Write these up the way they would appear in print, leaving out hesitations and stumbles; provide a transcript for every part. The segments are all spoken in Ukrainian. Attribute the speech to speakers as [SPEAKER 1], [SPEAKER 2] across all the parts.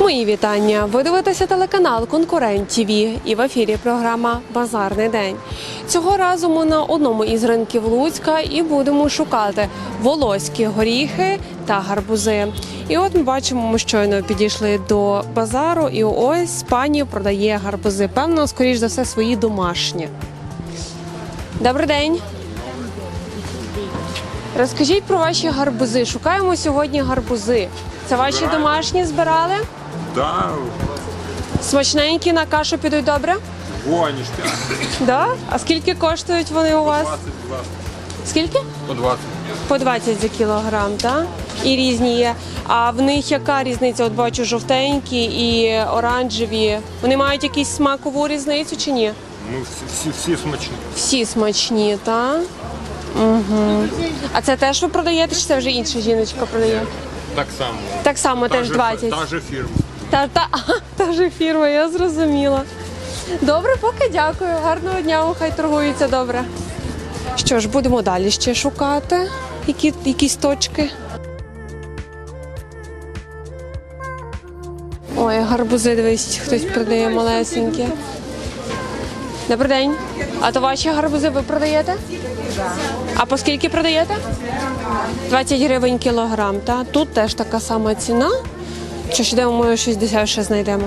[SPEAKER 1] Мої вітання! Ви дивитеся телеканал «Конкурент ТВ» і в ефірі програма «Базарний день». Цього разу ми на одному із ринків Луцька і будемо шукати волоські горіхи та гарбузи. І от ми бачимо, ми щойно підійшли до базару і ось пані продає гарбузи. Певно, скоріш за все, свої домашні. Добрий день! Розкажіть про ваші гарбузи. Шукаємо сьогодні гарбузи. Це ваші домашні збирали?
[SPEAKER 2] Да,
[SPEAKER 1] Смачненькі, на кашу підуть добре?
[SPEAKER 2] вонишка.
[SPEAKER 1] Да? А скільки коштують вони у вас?
[SPEAKER 2] 20.
[SPEAKER 1] Скільки?
[SPEAKER 2] По 20.
[SPEAKER 1] По 20 за кілограм, так? І різні є. А в них яка різниця? От бачу, жовтенькі і оранжеві. Вони мають якусь смакову різницю чи ні?
[SPEAKER 2] Ну, всі смачні.
[SPEAKER 1] Всі смачні, так? Угу. А це теж ви продаєте, чи це вже інша жіночка продає?
[SPEAKER 2] Так само.
[SPEAKER 1] Так само, теж 20.
[SPEAKER 2] Та же фірма.
[SPEAKER 1] Та ж фірма, я зрозуміла. Добре, поки дякую. Гарного дня, хай торгуються добре. Що ж, будемо далі ще шукати якісь точки. Ой, гарбузи, дивись, хтось продає малесенькі. Добрий день. А то ваші гарбузи ви продаєте? Так. А по скільки продаєте? 20 гривень кілограм, так? Тут теж така сама ціна. Що ж, йдемо, ми щось дешевше знайдемо.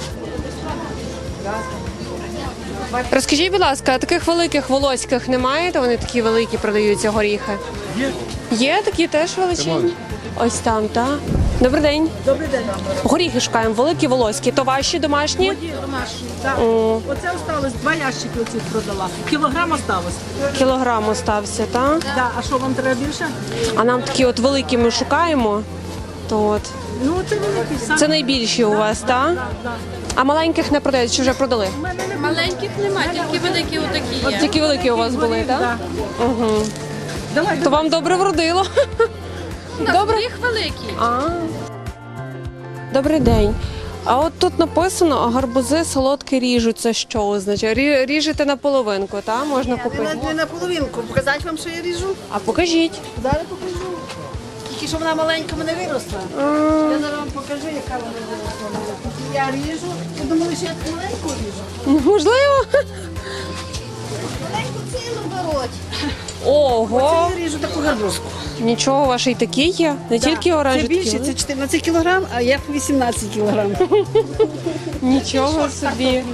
[SPEAKER 1] Розкажіть, будь ласка, а таких великих волоських немає? То вони такі великі продаються горіхи?
[SPEAKER 2] Є.
[SPEAKER 1] Є такі теж величезні? Ось там, так? Добрий день.
[SPEAKER 3] Добрий день.
[SPEAKER 1] Горіхи шукаємо, великі волоські. То ваші домашні?
[SPEAKER 3] Мої домашні, так. Оце осталось, 2 ящики оцих продала. Кілограм осталось.
[SPEAKER 1] Кілограм остався, так?
[SPEAKER 3] Да. А що, вам треба більше?
[SPEAKER 1] А нам такі от великі ми шукаємо. То от.
[SPEAKER 3] Ну, це великий сам.
[SPEAKER 1] Це найбільші у вас, так?
[SPEAKER 3] Да.
[SPEAKER 1] А маленьких не продають, чи вже продали?
[SPEAKER 4] Маленьких немає, тільки великі отакі є.
[SPEAKER 1] Тільки великі у вас були, так?
[SPEAKER 3] Да.
[SPEAKER 1] Угу.
[SPEAKER 3] Давай,
[SPEAKER 1] То вам добре вродило. Добре.
[SPEAKER 4] Їх великі.
[SPEAKER 1] Добрий день. А от тут написано, гарбузи солодкі ріжуть. Це що означає? Ріжете на половинку, так? Можна купити?
[SPEAKER 3] не на половинку. Показати вам, що я ріжу?
[SPEAKER 1] А покажіть.
[SPEAKER 3] Зараз покажу. Тільки що вона маленька мене виросла. Я зараз вам покажу, яка вона виросла. Я ріжу. Ви думали, що я маленьку ріжу?
[SPEAKER 1] Можливо.
[SPEAKER 3] Маленьку цілу беруть.
[SPEAKER 1] Ого.
[SPEAKER 3] Це я ріжу таку гарбузку.
[SPEAKER 1] Нічого, ваші й такі є. Не тільки
[SPEAKER 3] Це
[SPEAKER 1] оранжеві.
[SPEAKER 3] більше, це 14 кілограм, а я 18 кілограм.
[SPEAKER 1] Нічого собі.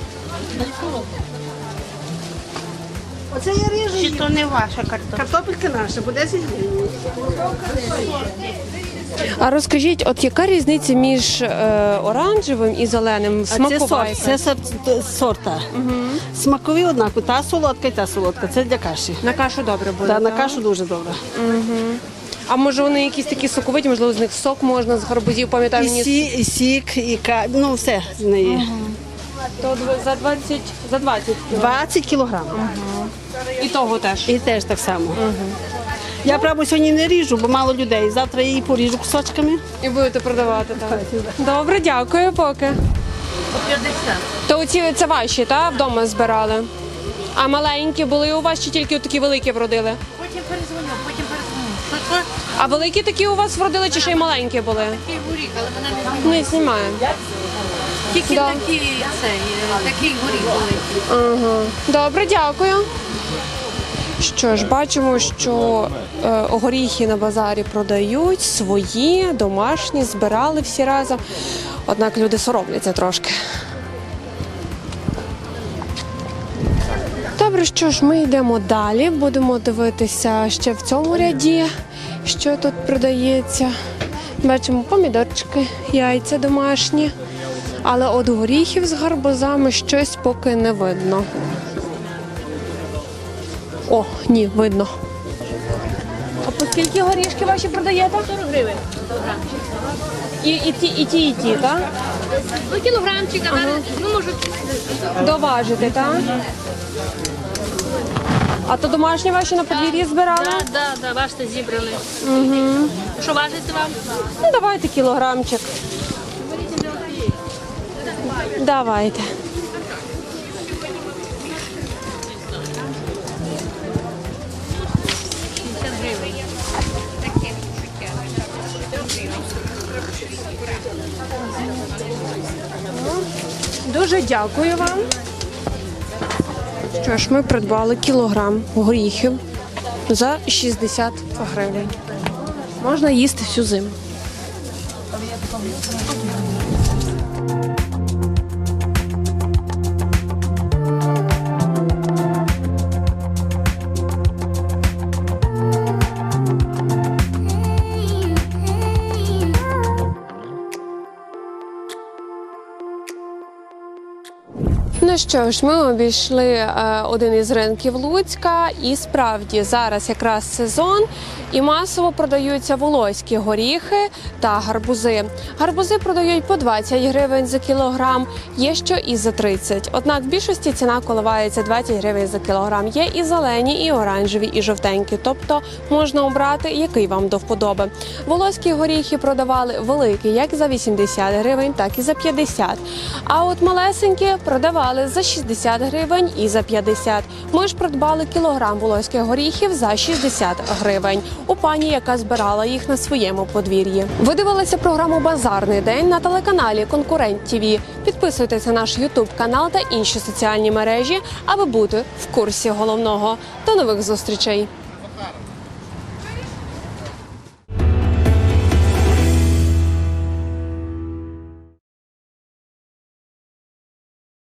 [SPEAKER 3] Оце я ріжу.
[SPEAKER 4] Чи то не ваша картопля?
[SPEAKER 3] Картопелька наша, по 10 гривень.
[SPEAKER 1] А розкажіть, от яка різниця між оранжевим і зеленим? Смакова яка?
[SPEAKER 3] Це сорта. Смакові однакові. Та солодка і та солодка. Це для каші.
[SPEAKER 1] На кашу добре буде,
[SPEAKER 3] Та, на
[SPEAKER 1] так?
[SPEAKER 3] кашу дуже добре.
[SPEAKER 1] А може вони якісь такі соковиті, можливо, з них сок можна з гарбузів, пам'ятаю,
[SPEAKER 3] І сік, і ну все з неї.
[SPEAKER 1] То за 20 кіло.
[SPEAKER 3] 20 кілограм.
[SPEAKER 1] І того теж.
[SPEAKER 3] І теж так само. Я, правда, сьогодні не ріжу, бо мало людей. Завтра я її поріжу кусочками.
[SPEAKER 1] І будете продавати, так? Добре, дякую поки.
[SPEAKER 4] По 50.
[SPEAKER 1] То оці це ваші, так? Вдома збирали? А маленькі були у вас чи тільки такі великі вродили?
[SPEAKER 4] Потім перезвоню, потім перезвоню. Що?
[SPEAKER 1] А великі такі у вас вродили чи ще й маленькі були?
[SPEAKER 4] Такий горіх, але вона не знімає.
[SPEAKER 1] Не знімає.
[SPEAKER 4] Тільки
[SPEAKER 1] Да.
[SPEAKER 4] такий горіх великий.
[SPEAKER 1] Ага. Добре, дякую. Що ж, бачимо, що горіхи на базарі продають свої, домашні, збирали всі разом. Однак люди соромляться трошки. Добре, що ж, ми йдемо далі. Будемо дивитися ще в цьому ряді, що тут продається. Бачимо помідорчики, яйця домашні. Але от горіхів з гарбузами щось поки не видно. О, ні, видно. А по скільки горішки ваші продаєте?
[SPEAKER 4] 40 гривень.
[SPEAKER 1] І ті, так?
[SPEAKER 4] Ну, кілограмчик, але, ну, може,
[SPEAKER 1] Доважити, так? А то домашні ваші на подвір'ї збирали?
[SPEAKER 4] да, бачите, зібрали. Угу. Що важите вам?
[SPEAKER 1] Ну, давайте кілограмчик. Давайте.
[SPEAKER 4] 50 гривень.
[SPEAKER 1] Дуже дякую вам. Що ж, ми придбали кілограм горіхів за 60 гривень. Можна їсти всю зиму. Ну що ж, ми обійшли один із ринків Луцька, і справді зараз якраз сезон, і масово продаються волоські горіхи та гарбузи. Гарбузи продають по 20 гривень за кілограм, є що і за 30. Однак в більшості ціна коливається 20 гривень за кілограм. Є і зелені, і оранжеві, і жовтенькі, тобто можна обрати, який вам до вподоби. Волоські горіхи продавали великі як за 80 гривень, так і за 50. А от малесенькі продавали за 60 гривень і за 50. Ми ж придбали кілограм волоських горіхів за 60 гривень у пані, яка збирала їх на своєму подвір'ї. Ви дивилися програму «Базарний день» на телеканалі «Конкурент ТВ». Підписуйтесь на наш YouTube канал та інші соціальні мережі, аби бути в курсі головного. До нових зустрічей!